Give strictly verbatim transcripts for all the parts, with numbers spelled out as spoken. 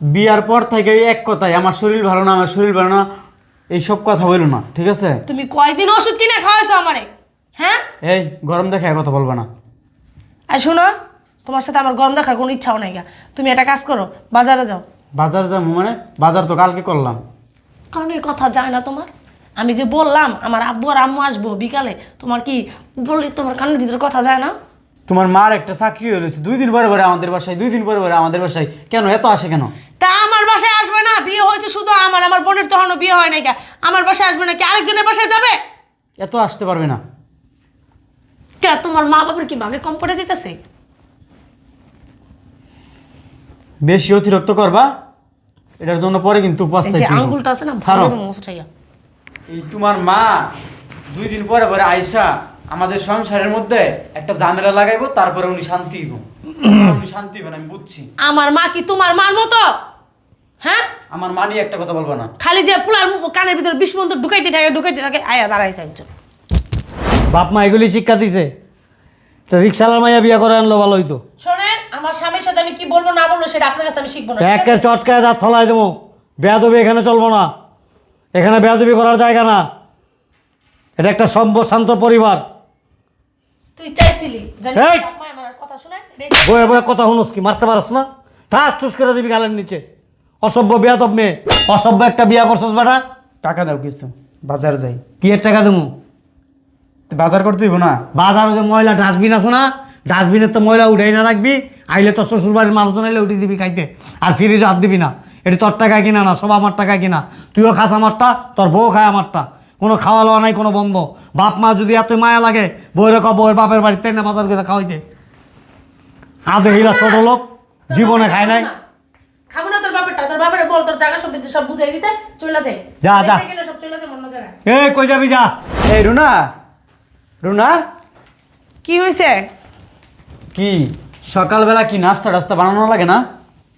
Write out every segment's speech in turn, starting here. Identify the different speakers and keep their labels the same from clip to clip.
Speaker 1: বিয়ার পর থেকে এক কথাই আমার শরীর ভালো না, আমার শরীর ভালো না, এইসব কথা বলো না, ঠিক আছে?
Speaker 2: তুমি কয়দিন ওষুধ কিনে খাওয়াইছো আমারে? হ্যাঁ,
Speaker 1: এই গরম দেখে কথা বলবা না।
Speaker 2: আর শোনো, তোমার সাথে আমার গন্ধ দেখার কোনো ইচ্ছাও নাই গা। তুমি একটা কাজ করো, বাজারে যাও।
Speaker 1: বাজার যাবো মানে? বাজার তো কালকে করলাম।
Speaker 2: কারণ এই কথা যায় না তোমার। আমি যে বললাম আমার আব্বু আর আম্মু আসবো বিকালে, তোমার কি বললি তোমার কানের ভিতরে কথা যায় না?
Speaker 1: তোমার মার একটা চাকরি হয়েছে, দুই দিন পরে পরে আমাদের বাসায়, দুই দিন পরে পরে আমাদের বাসায়, কেন এত আসে কেন?
Speaker 2: তা আমার বাসায় আসবে না? বিয়ে হয়েছে শুধু আমার, আমার বোনের তো এখনো বিয়ে হয় নাই কা। আমার বাসায় আসবে না কি আরেকজনের বাসায় যাবে?
Speaker 1: এত আসতে পারবে না।
Speaker 2: কে তোমার মা বাবার কি ভাগে কম করে যেতেছে?
Speaker 1: বেশি অতিরিক্ত করবা, এটার জন্য পরে কিন্তু
Speaker 2: এই যে
Speaker 1: পস্তাইতে হইব।
Speaker 2: আঙ্গুলটা আছে না,
Speaker 1: ছাড়ো।
Speaker 2: ভালো মতো মুছাইয়া।
Speaker 1: এই তোমার মা দুই দিন পরে পরে আইসা আমাদের সংসারের মধ্যে একটা ঝামেলা লাগাইবো, তারপরে উনি শান্তি হইব। উনি শান্তি হইবেন আমি বুঝছি।
Speaker 2: আমার মা কি তোমার মার মতো? হ্যাঁ,
Speaker 1: আমার মা নিয়ে একটা কথা বলবো না।
Speaker 2: খালি যে পুলার মুখ কানের ভিতরে বিষ মন্ত্র ঢুকাইতে থাকে ঢুকাইতে থাকে। আয়া দাঁড়াইছে একজন।
Speaker 3: বাপ মা এগুলি শিক্ষা দিছে, তো রিক্সালার মাইয়া বিয়া করে আনলো ভালো হইতো।
Speaker 2: শোনেন, আমার স্বামীর সাথে আমি কি বলবো না বলবো সেটা আপনার কাছে আমি শিখবো না, ঠিক আছে?
Speaker 3: একের চটকায় দাঁত ফলাই দেবো। বেয়াদবি এখানে চলবো না, এখানে বেয়াদবি করার জায়গা না। এটা একটা সভ্য শান্ত পরিবার।
Speaker 2: তুই চাইছিলি জানি
Speaker 3: এই!
Speaker 2: বাপ মা আমার কথা শুনে
Speaker 3: বয়ে বয়ে কথা শুনোস কি? মারতে পারস না? ঠাস ঠুস করে দিবি গালের নিচে। অসভ্য বেয়াদব মেয়ে, অসভ্য একটা বিয়া করছস বেটা।
Speaker 1: টাকা দাও কিছু, বাজার যাই।
Speaker 3: কি এর টাকা দেবো?
Speaker 1: তো বাজার করতে হইব না?
Speaker 3: বাজারে যে ময়লা ডাস্টবিন আছে না, ডাস্টবিনের তো ময়লা উঠাই না রাখবি। আইলে তোর শ্বশুর বাড়ির মানুষজন আইলে উঠিয়ে দিবি খাইতে। আর ফ্রিজে হাত দিবি না। এটি তোর টাকায় কিনা না, সব আমার টাকায় কিনা। তুইও খাস আমারটা, তোর বউ খায় আমারটা। কোনো খাওয়া লওয়া নাই, কোনো বন্ধ। বাপ মা যদি এত মায়া লাগে, বউরে ক বউয়ের বাপের বাড়িতে না বাজার করে খাওয়াইতে। আদে হিলা ছোট লোক, জীবনে খায় নাই।
Speaker 2: খাবো না তোর বাপেরটা, তোর বাপের বল তোর জায়গা সব সব বুঝাই দিতে চলে যায়।
Speaker 3: যা, যা।
Speaker 2: সব চলে যায় অন্য জায়গায়।
Speaker 3: এ কই যাবি যা।
Speaker 1: এই রুনা, রুনা
Speaker 2: কি হয়েছে?
Speaker 1: কি সকালবেলা কি নাস্তা টাস্তা বানানো লাগে না?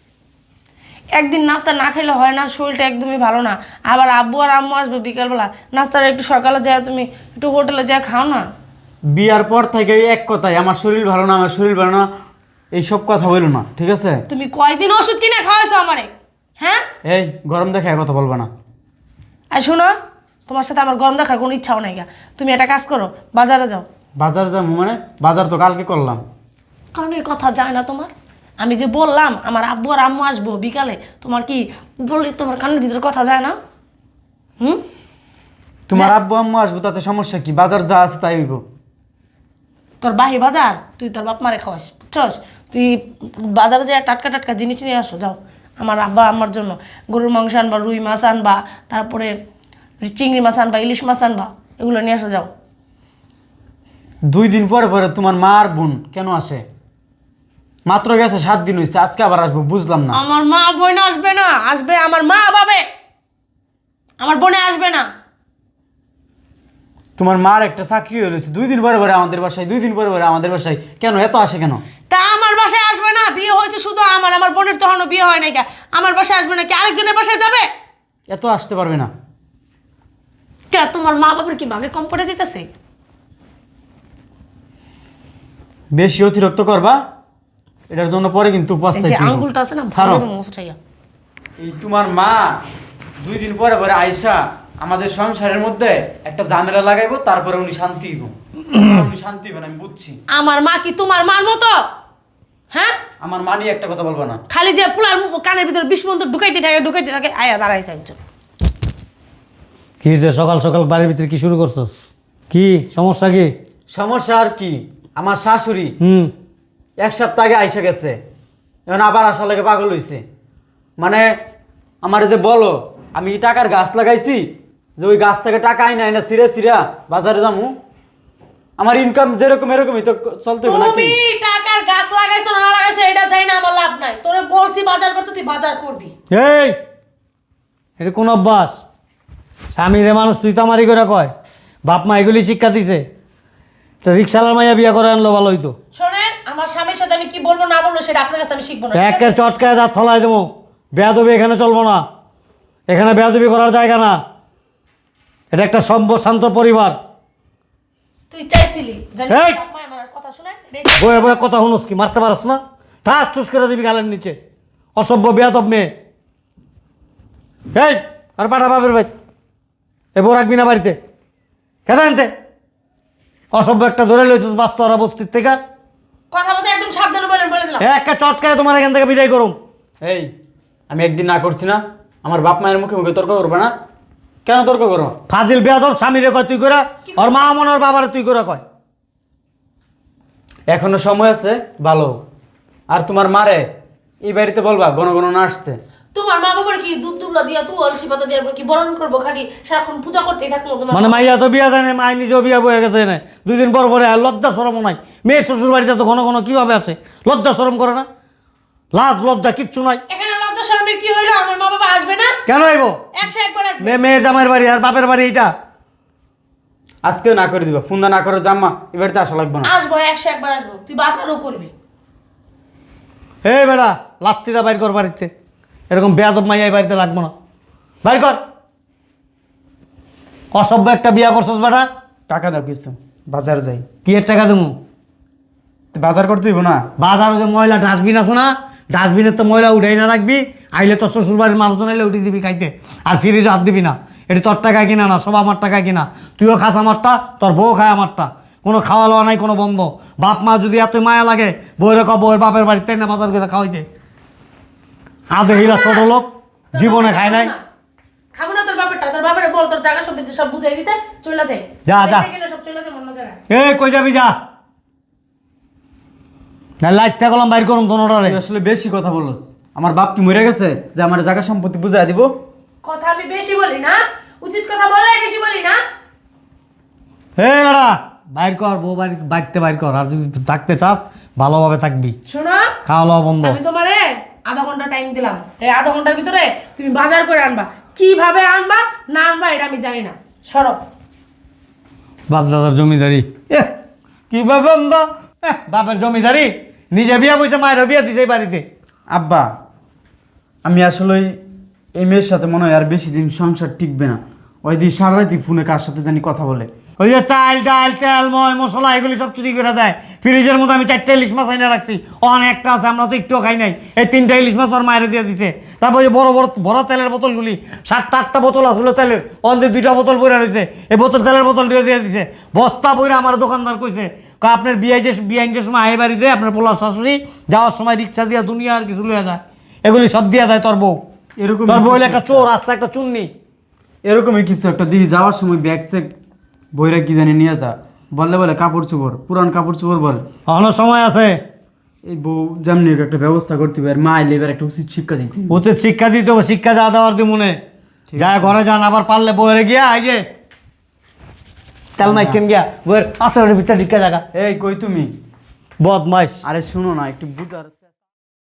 Speaker 2: একদিন নাস্তা না খেলে হয় না, শরীরটা একদমই ভালো না। আবার আব্বু আর আম্মু আসবে বিকালবেলা, নাস্তাটা একটু সকালে যায়, তুমি একটু হোটেলে যা খাও না।
Speaker 1: বিয়ার পর থেকে এক কথাই আমার শরীর ভালো না, আমার শরীর ভালো না, এইসব কথা বলো না, ঠিক আছে?
Speaker 2: তুমি কয়দিন ওষুধ কিনে খাওয়াইছো আমারে? হ্যাঁ,
Speaker 1: এই গরম দেখে কথা বলবা না।
Speaker 2: আর শোনো, তোমার সাথে আমার গন্ধ দেখার কোনো ইচ্ছাও নাই গা। তুমি একটা কাজ করো, বাজারে যাও।
Speaker 1: বাজার যাবো মানে? বাজার তো কালকে করলাম।
Speaker 2: কারণ এই কথা যায় না তোমার। আমি যে বললাম আমার আব্বু আর আম্মু আসবো বিকালে, তোমার কি বললি তোমার কানের ভিতরে কথা যায় না? হুম,
Speaker 1: তোমার আব্বু আম্মু আসবো তাতে সমস্যা কি? বাজার যা আছে তাই হইব।
Speaker 2: তোর বাহি বাজার তুই তোর বাপ মারে খাওয়াস, বুঝছস? তুই বাজারে যায় টাটকা টাটকা জিনিস নিয়ে আসো, যাও। আমার আব্বা আমার জন্য গরুর মাংস আনবা, রুই মাছ আনবা, তারপরে চিংড়ি মাছ আনবা, ইলিশ মাছ আনবা, এগুলো নিয়ে আসো, যাও।
Speaker 1: দুই দিন পরে পরে তোমার মা আর বোন কেন আসে? মাত্র গেছে সাত দিন হয়েছে, আজকে আবার আসবো, বুঝলাম না।
Speaker 2: আমার মা বোন আসবে না, আসবে আমার মা বাবে, আমার বোনে আসবে না।
Speaker 1: তোমার মার একটা চাকরি হয়েছে, দুই দিন পরে পরে আমাদের বাসায়, দুই দিন পরে পরে আমাদের বাসায়, কেন এত আসে কেন?
Speaker 2: তা আমার বাসায় আসবে না? বিয়ে হয়েছে শুধু আমার, আমার বোনের তো এখনো বিয়ে হয় নাই কা। আমার বাসায় আসবে না কি আরেকজনের বাসায় যাবে?
Speaker 1: এত আসতে পারবে না।
Speaker 2: কে তোমার মা বাবার কি ভাগে কম করে যেতেছে?
Speaker 1: বেশি অতিরিক্ত করবা, এটার জন্য পরে কিন্তু
Speaker 2: এই যে
Speaker 1: পস্তাইতে হইব।
Speaker 2: আঙ্গুলটা আছে না,
Speaker 1: ছাড়ো।
Speaker 2: ভালো মতো মুছাইয়া।
Speaker 1: এই তোমার মা দুই দিন পরে পরে আইসা আমাদের সংসারের মধ্যে একটা ঝামেলা লাগাইবো, তারপরে উনি শান্তি হইব। উনি শান্তি হইবেন আমি বুঝছি।
Speaker 2: আমার মা কি তোমার মার মতো? হ্যাঁ,
Speaker 1: আমার মা নিয়ে একটা কথা বলবো না।
Speaker 2: খালি যে পুলার মুখ কানের ভিতরে বিষ মন্ত্র ঢুকাইতে থাকে ঢুকাইতে থাকে। আয়া দাঁড়াইছে একজন।
Speaker 3: কি যে সকাল সকাল বাড়ির ভিতরে কি শুরু করছস? কি সমস্যা কি?
Speaker 1: সমস্যা আর কি, আমার শাশুড়ি
Speaker 3: হুম
Speaker 1: এক সপ্তাহ আগে আইসা গেছে, এখন আবার আসা লাগে পাগল হইছে। মানে আমার যে বলো আমি টাকার গাছ লাগাইছি, যে ওই গাছ থেকে টাকা আইনা আইনা সিরে সিরা বাজারে যামু, আমার ইনকাম যেরকম এরকমই তো চলতে হবে নাকি?
Speaker 2: তুমি টাকার গাছ লাগাইছো না লাগাইছো এটা জানি না, আমার লাভ নাই। তোরে বলছি বাজার করতে, তুই বাজার করবি।
Speaker 3: এই এটা কোন অভ্যাস? স্বামীরে মানুষ তুই তামারি করে কয়? বাপ মা এগুলি শিক্ষা দিছে, তো রিক্সালার মাইয়া বিয়া করে আনলো ভালো হইতো।
Speaker 2: শোনেন, আমার স্বামীর সাথে আমি কি বলবো না বলবো সেটা আপনার কাছে আমি শিখবো না, ঠিক
Speaker 3: একের
Speaker 2: আছে?
Speaker 3: চটকায় দাঁত ফলাই দেবো। বেয়াদবি এখানে চলবো না, এখানে বেয়াদবি করার জায়গা না। এটা একটা সভ্য শান্ত পরিবার।
Speaker 2: তুই চাইছিলি জানি
Speaker 3: এই!
Speaker 2: বাপ মা আমার কথা শুনে
Speaker 3: বয়ে বয়ে কথা শুনোস কি? মারতে পারস না? ঠাস ঠুস করে দিবি গালের নিচে। অসভ্য বেয়াদব মেয়ে। এই আর পাঠা বাপের ভাই এ বউ রাখবি না বাড়িতে খেতে আনতে অসভ্য একটা ধরে লইছিস বাস্তরা বস্তির থেকে
Speaker 2: কথা বলতে একদম সাবধানে বলেন, বলে দিলাম।
Speaker 3: একটা চটকায় তোমার এখান থেকে বিদায় করুম।
Speaker 1: এই আমি একদিন না করছি না, আমার বাপ মায়ের মুখে মুখে তর্ক করবে না? কেন তর্ক করো?
Speaker 3: ফাজিল বেয়াদব স্বামীরে কয় তুই করে, ওর মা মনে ওর বাবারে তুই করে কয়।
Speaker 1: এখনো সময় আছে ভালো। আর তোমার মারে এই বাড়িতে বলবা ঘন ঘন না আসতে।
Speaker 2: তোমার মা বাবার কি দুধ দুবলা দিয়া তুই অলসি পাতা দিয়ে কি বরণ করবো, খালি সারাক্ষণ পূজা করতেই থাকবো তোমার?
Speaker 3: মানে মাইয়া তো বিয়া দেয় না, মাই নিজেও বিয়া বয়ে গেছে না, দুই দিন পর পরে আর লজ্জা সরমও নাই। মেয়ের শ্বশুর বাড়িতে তো ঘন ঘন কিভাবে আসে, লজ্জা সরম করে না? লাজ লজ্জা কিচ্ছু নাই।
Speaker 2: এখানে লজ্জা শরমের কি হইলো? আমার মা বাবা আসবে না?
Speaker 3: কেন আইব?
Speaker 2: একশো একবার আসবে।
Speaker 3: মেয়ে মেয়ের জামাইয়ের বাড়ি আর বাপের বাড়ি এইটা।
Speaker 1: আজকে না করে দিবা, ফোন দা না করে জাম্মা এই বাড়িতে আসা লাগবে না।
Speaker 2: আসবো, একশো একবার আসবো। তুই বাজারও করবি।
Speaker 3: হে বেড়া লাত্তিটা বাইর কর বাড়িতে, এরকম বেয়াদব মাইয়া এই বাড়িতে লাগবো না, বাইর কর। অসভ্য একটা বিয়া করছস বেটা।
Speaker 1: টাকা দাও কিছু, বাজার যাই।
Speaker 3: কি এর টাকা দেবো?
Speaker 1: তো বাজার করতে দিব না?
Speaker 3: বাজারে যে ময়লা ডাস্টবিন আছে না, ডাস্টবিনের তো ময়লা উঠাই না রাখবি, আইলে তোর শ্বশুর বাড়ির মানুষজন আইলে উঠিয়ে দিবি খাইতে, আর ফ্রিজে হাত দিবি না। এটি তোর টাকায় কিনা না, সব আমার টাকায় কিনা। তুইও খাস আমারটা, তোর বউ খায় আমারটা, কোনো খাওয়া লওয়া নাই, কোনো বন্ধ। বাপ মা যদি এত মায়া লাগে বউরে ক বউয়ের বাপের বাড়িতে না বাজার করে খাওয়াইতে। আদে হিলা ছোট লোক, জীবনে খায় নাই।
Speaker 2: খাবো না তোর বাপেরটা, তোর বাপের বল তোর জায়গা সব দিতে, সব বুঝাই দিতে চলে যায়।
Speaker 3: যা, যা।
Speaker 2: সব চলে যায় অন্য জায়গায়।
Speaker 3: এ কই যাবি যা, না লাইটটা গেলাম বাইর করুন দোনোটারে।
Speaker 1: তুই আসলে বেশি কথা বলস। আমার বাপ কি মরে গেছে যে আমার জায়গা সম্পত্তি বুঝাই দিব?
Speaker 2: কথা আমি বেশি বলি না, উচিত কথা বললে বেশি বলি না।
Speaker 3: হে এরা বাইর কর, বউ বাড়ি বাড়িতে বাইর কর। আর যদি থাকতে চাস ভালোভাবে থাকবি,
Speaker 2: শোনো,
Speaker 3: খাওয়া দাওয়া বন্ধ।
Speaker 2: আমি তোমারে আধা ঘন্টা টাইম দিলাম। এই আধা ঘন্টার ভিতরে তুমি বাজার করে আনবা। কিভাবে আনবা না আনবা এটা আমি জানি না। সরো।
Speaker 3: বাপ দাদার জমিদারি, এ কিভাবে আনবা? এহ, বাপের জমিদারি, নিজে বিয়া বইছে, মায়ের বিয়া দিছে এই বাড়িতে।
Speaker 1: আব্বা, আমি আসলে এই মেয়ের সাথে মনে হয় আর বেশি দিন সংসার টিকবে না। ওই দিন সারা রাতি ফোনে কার সাথে জানি কথা বলে।
Speaker 3: ওই যে চাল ডাল তেল ময় মশলা এগুলি সব চুরি করে দেয়। ফ্রিজের মধ্যে আমি চারটে ইলিশ মাছ আইনা রাখছি, অনেক একটা আছে, আমরা তো একটুও খাই নাই। এই তিনটা ইলিশ মাছ ওর মায়ের দিয়ে দিছে। তারপর ওই যে বড় বড় বড় তেলের বোতলগুলি, সাতটা আটটা বোতল আসলো তেলের, অন্যদের দুইটা বোতল বইরা রয়েছে, এই বোতল তেলের বোতল দিয়ে দিয়ে দিছে। বস্তা বইরা আমার দোকানদার কইছে, কয় আপনার বিয়ে যে বিয়াইন যে সময় আয় বাড়িতে আপনার পোলার শাশুড়ি যাওয়ার সময় রিক্সা দিয়া দুনিয়া আর কিছু লইয়া যায়, এগুলি সব দিয়া যায় তোর বউ।
Speaker 1: এরকম
Speaker 3: তোর বউ হইলো একটা চোর, রাস্তা একটা চুন্নি।
Speaker 1: এরকমই কিছু একটা দিই, যাওয়ার সময় ব্যাগ সেক বইরা কি জানি নিয়ে যা, বললে বলে কাপড় চোপড়, পুরান কাপড় চোপড় বলে।
Speaker 3: এখনো সময় আছে,
Speaker 1: এই বউ যেমনি হোক একটা ব্যবস্থা করতে হবে, আর মা এলে এবার একটা উচিত শিক্ষা দিতে হবে।
Speaker 3: উচিত শিক্ষা দিতে হবে, শিক্ষা যা দেওয়ার দি মনে যায় ঘরে যান। আবার পারলে বইরে গিয়া এই যে তেল মাইকেন গিয়া বইয়ের আসরের ভিতরে ঢিকা জায়গা।
Speaker 1: এই কই তুমি?
Speaker 3: বদমাইশ।
Speaker 1: আরে শুনো না, একটু বুঝার